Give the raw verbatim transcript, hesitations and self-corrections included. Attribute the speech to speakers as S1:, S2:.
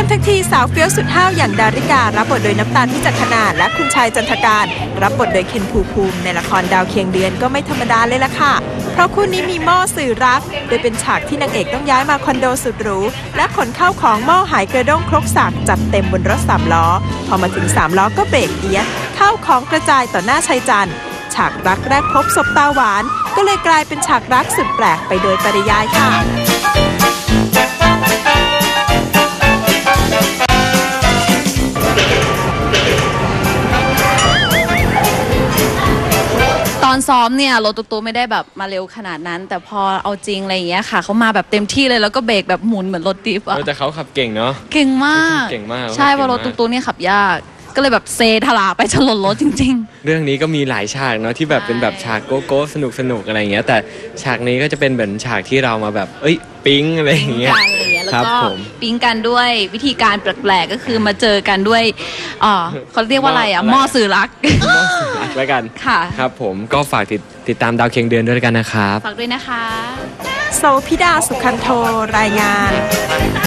S1: มทั้งทีสาวเฟี้ยวสุดห้าวอย่างดาริการับบทโดยน้ำตาลพิจักขณาและคุณชายจันทการรับบทโดยเคนภูมิภูมิในละครดาวเคียงเดือนก็ไม่ธรรมดาเลยล่ะค่ะเพราะคู่นี้มีหม้อสื่อรักโดยเป็นฉากที่นางเอกต้องย้ายมาคอนโดสุดหรูและขนเข้าของหม้อหายกระด้งครกสักจัดเต็มบนรถสามล้อพอมาถึงสามล้อก็เบรกเอียดเข้าของกระจายต่อหน้าชายจันทร์ฉากรักแรกพบศพตาหวานก็เลยกลายเป็นฉากรักสุดแปลกไปโดยปริยายค่ะ
S2: ตอนซ้อมเนี่ยรถตุ๊กๆไม่ได้แบบมาเร็วขนาดนั้นแต่พอเอาจริงอะไรอย่างเงี้ยค่ะเขามาแบบเต็มที่เลยแล้วก็เบรกแบบหมุนเหมือนรถดิฟอะ
S3: แต่เขาขับเก่งเนาะ
S2: เก่งมาก
S3: เก่งมาก
S2: ใช่เพราะรถตุ๊กๆเนี่ยขับยากก็เลยแบบเซทลาไปชนรถจริง
S3: ๆเรื่องนี้ก็มีหลายฉากเนาะที่แบบเป็นแบบฉากโก๊ะโก๊ะสนุกสนุกอะไรอย่างเงี้ยแต่ฉากนี้ก็จะเป็นเหมือนฉากที่เรามาแบบเอ้ยปิ๊งอะไรอย่างเงี้ย
S2: แล้วก็ปิ๊งกันด้วยวิธีการแปลกๆก็คือมาเจอกันด้วยอ๋อเขาเรียกว่าอะไรอ่ะหม้อสื่อรัก
S3: หม้อสื่อรักแล้วกัน
S2: ค่ะ
S3: ครับผมก็ฝากติดติดตามดาวเคียงเดือนด้วยกันนะครับ
S2: ฝากด้วยนะคะ
S1: โซพิดาสุขันโทรายงาน